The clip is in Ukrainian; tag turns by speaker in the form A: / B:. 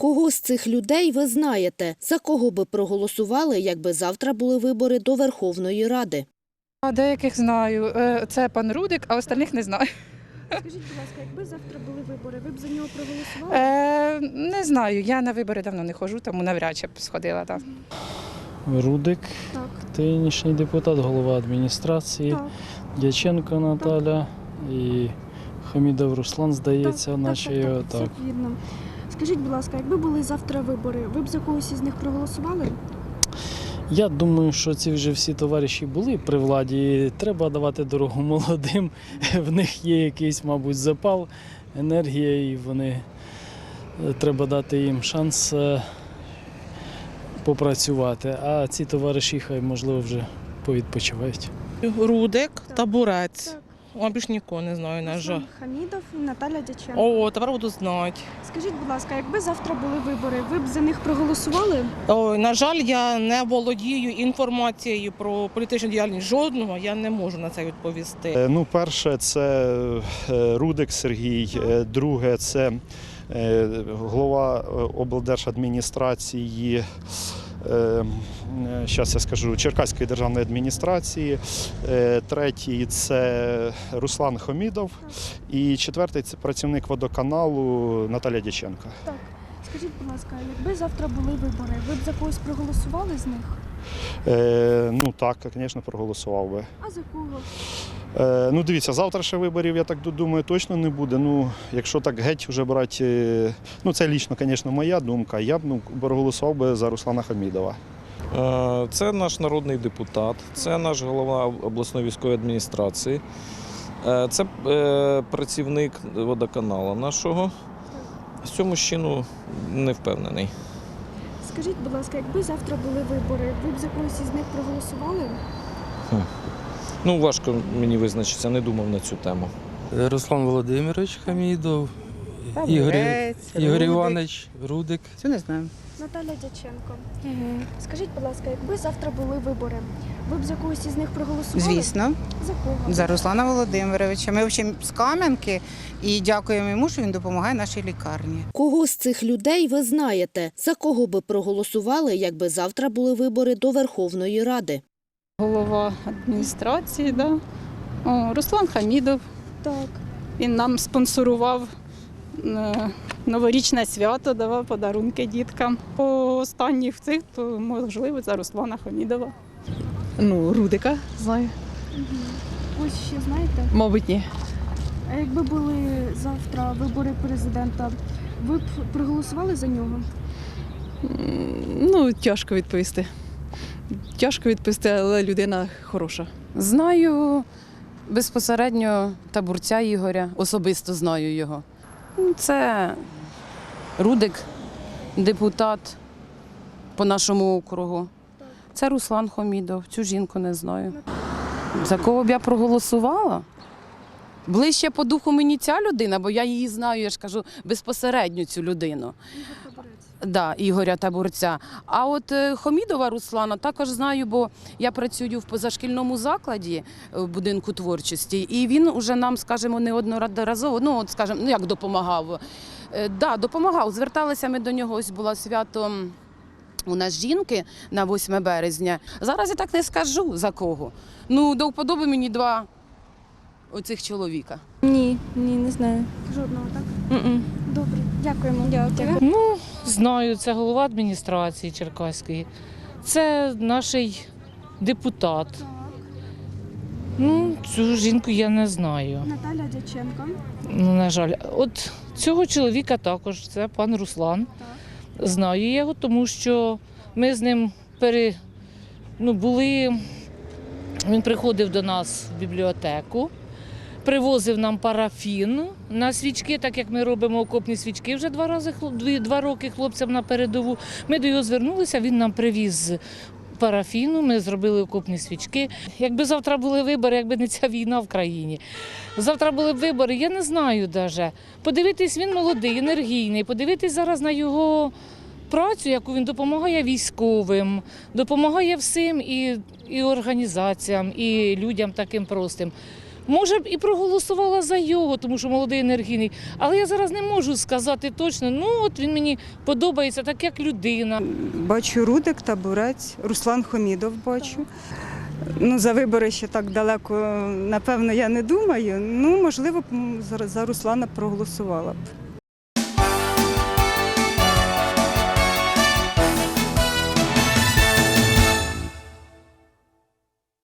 A: Кого з цих людей ви знаєте? За кого би проголосували, якби завтра були вибори до Верховної Ради?
B: Деяких знаю. Це пан Рудик, а остальних не знаю.
C: Скажіть, будь ласка, якби завтра були вибори, ви б за нього проголосували?
B: Не знаю, я на вибори давно не ходжу, тому навряд чи б сходила. Так.
D: Рудик,
C: Так.
D: нинішній депутат, голова адміністрації,
C: Так.
D: Дяченко Наталя і Хамідов Руслан, здається, наче його
C: все
D: так.
C: вірно. Скажіть, будь ласка, якби були завтра вибори, ви б за когось із них проголосували?
D: Я думаю, що ці вже всі товариші були при владі, і треба давати дорогу молодим. В них є якийсь, мабуть, запал, енергія, і треба дати їм шанс попрацювати. А ці товариші, хай, можливо, вже повідпочивають.
E: Рудик,
C: Так.
E: Табурець.
C: Так.
E: О, більш нікого не знаю, на жаль.
C: Руслан Хамідов і Наталя Дяченко.
E: О, тепер буду знати.
C: Скажіть, будь ласка, якби завтра були вибори, ви б за них проголосували?
E: Ой, на жаль, я не володію інформацією про політичну діяльність жодного, я не можу на це відповісти.
F: Перше, це Рудик Сергій, друге, це голова облдержадміністрації, зараз я скажу, Черкаської державної адміністрації, третій – це Руслан Хамідов і четвертий – це працівник водоканалу Наталя Дяченко.
C: Так. Скажіть, будь ласка, якби завтра були вибори, ви б за когось проголосували з них?
F: Ну так, звісно, проголосував би.
C: А за кого?
F: Ну, дивіться, завтра ще виборів, я так думаю, точно не буде. Ну, якщо так геть вже брати, ну це лічно, звісно, моя думка, я б проголосував би за Руслана Хамідова.
G: Це наш народний депутат, це наш голова обласної військової адміністрації, це працівник водоканалу нашого. З цього мужчину не впевнений.
C: Скажіть, будь ласка, якби завтра були вибори, ви б за когось із них проголосували?
G: Ну, важко мені визначитися, не думав на цю тему.
H: Руслан Володимирович Хамідов, Ігор Іванович Рудик.
I: Це не знаю.
C: Наталя Дяченко. Скажіть, будь ласка, якби завтра були вибори, ви б за когось із них проголосували?
I: Звісно,
C: За кого?
I: за Руслана Володимировича. Ми взагалі з Кам'янки і дякуємо йому, що він допомагає нашій лікарні.
A: Кого з цих людей ви знаєте? За кого би проголосували, якби завтра були вибори до Верховної Ради?
B: Голова адміністрації, да? Руслан Хамідов.
C: Так.
B: Він нам спонсорував новорічне свято, давав подарунки діткам. По останніх цих, то можливо за Руслана Хамідова.
J: Ну, Рудика знаю.
C: Ось ще знаєте?
J: Мабуть, ні.
C: А якби були завтра вибори президента, ви б проголосували за нього?
J: Ну, тяжко відповісти. Тяжко відповісти, але людина хороша.
K: Знаю безпосередньо Табурця Ігоря, особисто знаю його. Це Рудик, депутат по нашому округу. Це Руслан Хамідов, цю жінку не знаю. За кого б я проголосувала? Ближче по духу мені ця людина, бо я її знаю, я ж кажу, безпосередньо цю людину. Да, Ігоря Табурця. А от Хамідова Руслана також знаю, бо я працюю в позашкільному закладі в будинку творчості, і він уже нам, скажімо, неодноразово, ну, от, скажімо, ну, як допомагав. Да, допомагав. Зверталися ми до нього, ось було свято у нас жінки на 8 березня. Зараз я так не скажу, за кого. Ну, до вподоби мені два оцих чоловіка.
C: Ні, не знаю. Жодного, так? Добре, дякуємо. Дякую.
L: Ну, знаю, це голова адміністрації Черкаської. Це наш депутат.
C: Так.
L: Ну, цю жінку я не знаю.
C: Наталя Дяченко.
L: Ну, на жаль. От цього чоловіка також, це пан Руслан.
C: Так.
L: Знаю його, тому що ми з ним були, він приходив до нас в бібліотеку, привозив нам парафін на свічки, так як ми робимо окопні свічки вже 2 роки хлопцям на передову. Ми до його звернулися, він нам привіз парафіну, ми зробили окопні свічки. Якби завтра були вибори, якби не ця війна в країні. Завтра були б вибори, я не знаю навіть. Подивитись, він молодий, енергійний, подивитись зараз на його працю, яку він допомагає військовим, допомагає всім і організаціям, і людям таким простим. Може б і проголосувала за його, тому що молодий енергійний. Але я зараз не можу сказати точно, ну от він мені подобається так, як людина.
M: Бачу Рудик, Табурець, Руслан Хомідов бачу. Ну, за вибори ще так далеко, напевно, я не думаю. Ну, можливо, б за Руслана проголосувала б.